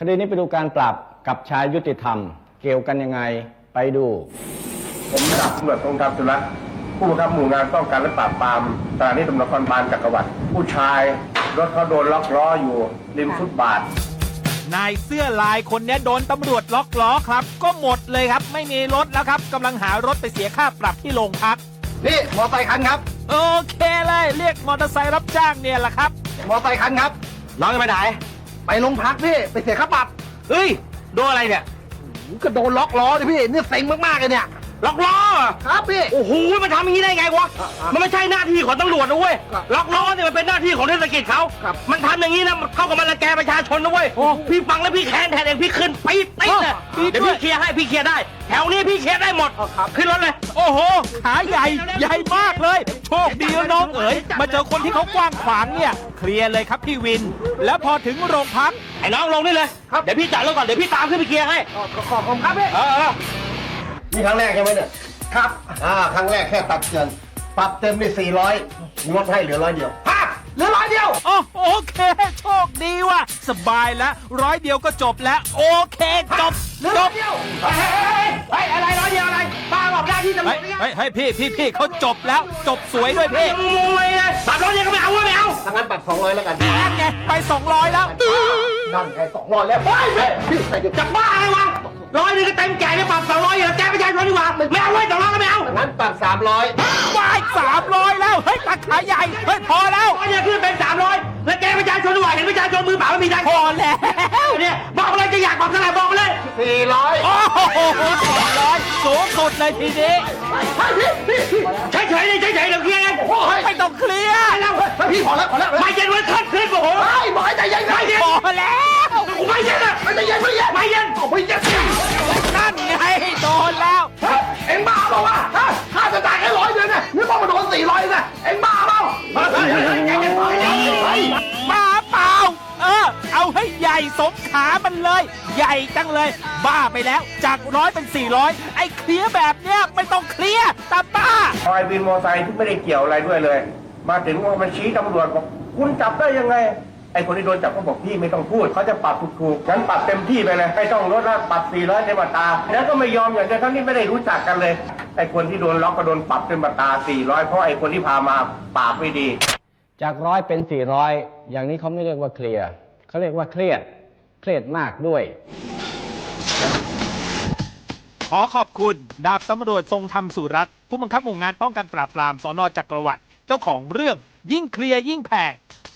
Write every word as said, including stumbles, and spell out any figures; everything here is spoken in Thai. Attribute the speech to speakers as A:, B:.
A: คดีนี้ไปดูการปรับกับชายยุติธรรมเกี่ยวกันยังไงไปดู
B: ผมดาบตำรวจทรงธรรมสุรัตน์ผู้บังคับหมู่งานป้องกันและปราบปรามสถานีตำรวจนครบาลจักรวรรดิผู้ชายรถเขาโดนล็อกล้ออยู่ริมฟุตบาท
C: นายเสื้อลายคนนี้โดนตำรวจล็อกล้อครับก็หมดเลยครับไม่มีรถแล้วครับกำลังหารถไปเสียค่าปรับที่โรงพัก
D: นี่มอไซค์คันครับ
C: โอเคเลยเรียกมอเตอร์ไซค์รับจ้างเนี่ยแหละครับ
D: มอไซค์คันครับน้องจะไปไหนไปโรงพักพี่ไปเสียค่าปรับเฮ้ยโดนอะไรเนี่ยก็โดนล็อกล้อเลยพี่เนี่ยเซ็งมากๆเลยเนี่ยล็อกล้อครับพี่โอ้โหมันทำอย่างนี้ได้ไงวะมันไม่ใช่หน้าที่ของตำรวจนะเว้ยล็อกล้อเนี่ยมันเป็นหน้าที่ของเทศกิจเขามันทำอย่างนี้นะมันเข้ากับมันรังแกประชาชนนะเว้ยพี่ฟังแล้วพี่แค้นแทนเองพี่ขึ้นปี๊ดปี๊ดเลยเดี๋ยวพี่เคลียร์ให้พี่เคลียร์ได้แถวนี้พี่เคลียร์ได้หมดขึ้นรถเลย
C: โอ้โหขาใหญ่ใหญ่มากเลยโชคดีนะน้องเอ๋ยมาเจอคนที่เขากว้างขวางเนี่ยเคลียร์เลยครับพี่วินแล้วพอถึงโรงพัก
D: ไอ้น้องลงนี่เลยเดี๋ยวพี่จ่ายรถก่อนเดี๋ยวพี่ตามขึ้นไปเคลียร์ให้ขอบคุณครับพี่
B: นี่ครั้งแรกใช่ไหมเนี่ย
D: ครับ
B: อ่าครั้งแรกแค่ตัดเงินปรับเต็มไปสี่ร้อยลดให้เหลือร้อยเดียว
D: ฮะเหลือร้อยเดียว
C: โอ้โอเคโชคดีว่ะสบายแล้วร้อยเดียวก็จบแล้วโอเคจบ
D: จบเดียวเฮ้ยเฮ้ยอะไรร้อยเดียวอะไรป้าบอกได้ที่ตำรวจ
C: เฮ้ยเฮ้ยพี่พี่พี่เขาจบแล้วจบสวยด้วยพี่
D: งงเลยปรับร้อยเดียวก็ไม่เอาไม่เอา
B: ถ้างั้นปรับสองร้อยแล้วกัน
C: นั่นไงไปสองร้อยแล้ว
B: นั่นไงสองร้อยแล้วเฮ้ยพี่ใส่เดี๋ยว
D: จะบ้าอะไรวะร้อยนึงก็เต็มแก่เลยปรับสองร้อยอย่างแกประชาชนดีกว่าไม่เอาไว้สองร้อยก็ไม่เอา
B: งั้นปรับสามร้อย
C: ไปสามร้อยแล้วเฮ้ยตัดขาใหญ่เฮ้ยพอแล้ว
D: ร้อยเนี่ยขึ้นเป็นสามร้อยแล้วแกประชาชนดีกว่าเห็นประชาชนมือเปล่าไม่มีได้
C: พอแล้ว
D: เนี่ยบอกเลยจะอยากบอกเท่าไหร่บอกเลย
B: สี่ร้อย
C: โอ้โหสองร้อยสูงสุดเลยทีนี้
D: เฉยเฉยเลยเฉยเฉยเดี๋ยวเคลียร์เอง
C: ไม่ต้องเคลียร์
D: แล้ว
B: พี่พอแล้วพอแล้ว
D: ไม่เย็นวันขึ้นขึ้นโอ้โห
B: ไม่บอกให้ใจเย็น
D: ไม่เย็น
C: พอแล้ว
D: ไม่เย็นอ่ะ
B: ไม่ใจเย็นไม่เย็น
D: ไม่เย็น
B: ไม่เย็น
C: นั่นไงโดนแล้ว
B: เอ็งบ้าเปล่าวะข้าจะจ่ายแค่ร้อยเดียวเนี่ยนี่ต้องมาโดนสี่ร้อยนะเอ็งบ้าเปล่า
C: บ้าเปล่าเออเอาให้ใหญ่สมขามันเลยใหญ่จังเลยบ้าไปแล้วจากร้อยเป็นสี่ร้อยไอ้เคลียร์แบบเนี้ยไม่ต้องเคลียร์ตาบ้า
B: คอยบินมอไซค์ที่ไม่ได้เกี่ยวอะไรด้วยเลยมาถึงมันชี้ตำรวจบอกคุณจับได้ยังไงไอ้คนที่โดนจับก็บอกพี่ไม่ต้องพูดเขาจะปรับถูกๆงั้นปรับเต็มที่ไปเลยไม่ต้องลดละปรับสี่ร้อยเต็มอัตราแล้วก็ไม่ยอมอย่างเดียวทั้งที่ไม่ได้รู้จักกันเลยไอ้คนที่โดนล็อกก็โดนปรับเต็มอัตราสี่ร้อยเพราะไอ้คนที่พามาปราบไม่ดี
A: จากร้อยเป็นสี่ร้อยอย่างนี้เขาไม่เรียกว่าเคลียร์เขาเรียกว่าเครียดเครียดมากด้วย
C: ขอขอบคุณดาบตำรวจทรงธรรมสุรัตน์ผู้บังคับหมู่งานป้องกันปราบปรามสน.จักรวรรดิเจ้าของเรื่องยิ่งเคลียร์ยิ่งแพง